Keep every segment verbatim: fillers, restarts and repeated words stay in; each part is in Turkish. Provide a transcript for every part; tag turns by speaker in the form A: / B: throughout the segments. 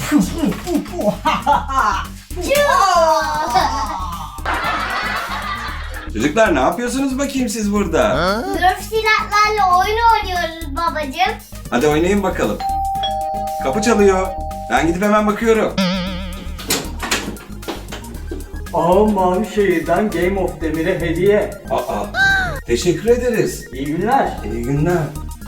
A: Çocuklar ne yapıyorsunuz bakayım siz burada?
B: Nerf silahlarla oyun oynuyoruz babacığım.
A: Hadi oynayın bakalım. Kapı çalıyor. Ben gidip hemen bakıyorum.
C: Aa, Mavişehir'den Game of Demir'e hediye.
A: Aa, teşekkür ederiz.
C: İyi günler.
A: İyi günler.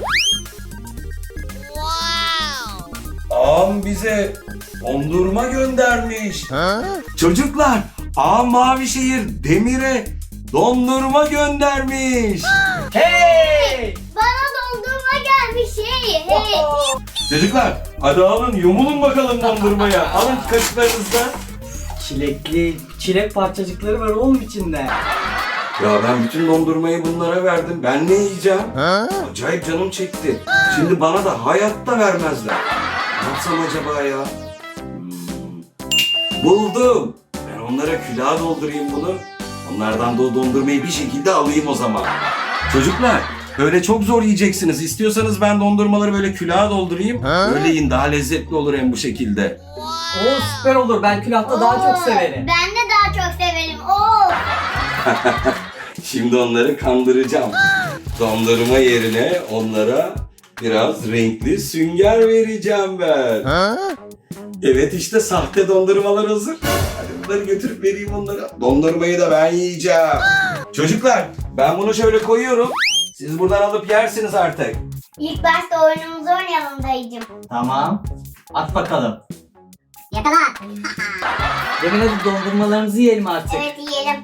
A: Ağam bize dondurma göndermiş. Çocuklar, ağam Mavişehir Demir'e dondurma göndermiş.
C: Hey!
B: Bana dondurma gelmiş hey hey.
A: Çocuklar, hadi alın yumulun bakalım dondurmaya. Alın kaşıklarınızdan.
C: Çilekli, çilek parçacıkları var oğlum içinde.
A: Ya ben bütün dondurmayı bunlara verdim. Ben ne yiyeceğim? Acayip canım çekti. Şimdi bana da hayatta vermezler. Ne yapsam acaba ya? Hmm. Buldum. Ben onlara külaha doldurayım bunu. Onlardan da o dondurmayı bir şekilde alayım o zaman. Çocuklar, böyle çok zor yiyeceksiniz. İstiyorsanız ben dondurmaları böyle külaha doldurayım. Öyle yiyin, daha lezzetli olur hem bu şekilde.
C: Oo, süper olur. Ben külahta daha çok
B: Oo,
C: severim.
B: Ben de daha çok severim. Oo.
A: Şimdi onları kandıracağım. Dondurma yerine onlara biraz renkli sünger vereceğim ben. Evet, işte sahte dondurmalar hazır. Hadi bunları götürüp vereyim onlara. Dondurmayı da ben yiyeceğim. Çocuklar, ben bunu şöyle koyuyorum. Siz buradan alıp yersiniz artık.
B: İlk başta oyunumuzu oynayalım dayıcım.
C: Tamam. At bakalım.
B: Yakala.
C: Demin hadi dondurmalarımızı yiyelim artık.
B: Evet yiyelim.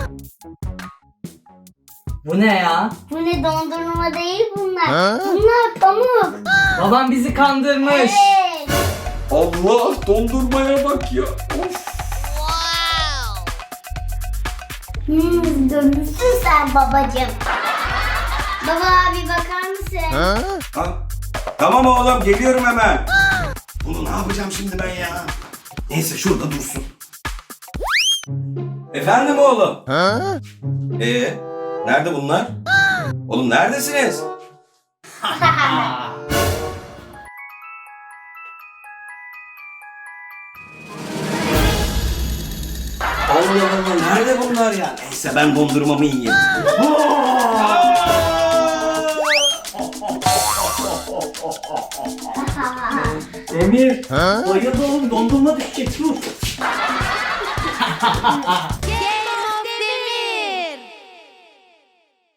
C: Bu ne ya?
B: Bu ne dondurma değil bunlar. Bunlar pamuk.
C: Babam bizi kandırmış.
B: Evet.
A: Allah, dondurmaya bak ya. Of.
B: Hmm, görmüşsün sen babacığım. Baba abi bakar mısın?
A: Ha? Tamam oğlum, geliyorum hemen. Bunu ne yapacağım şimdi ben ya? Neyse, şurada dursun. Efendim oğlum? Ee, nerede bunlar? Oğlum neredesiniz? Allah Allah, nerede bunlar ya? Neyse, ben dondurmamı yiyeyim.
C: Emir, bayıldı oğlum. Dondurma düşecek. Dur.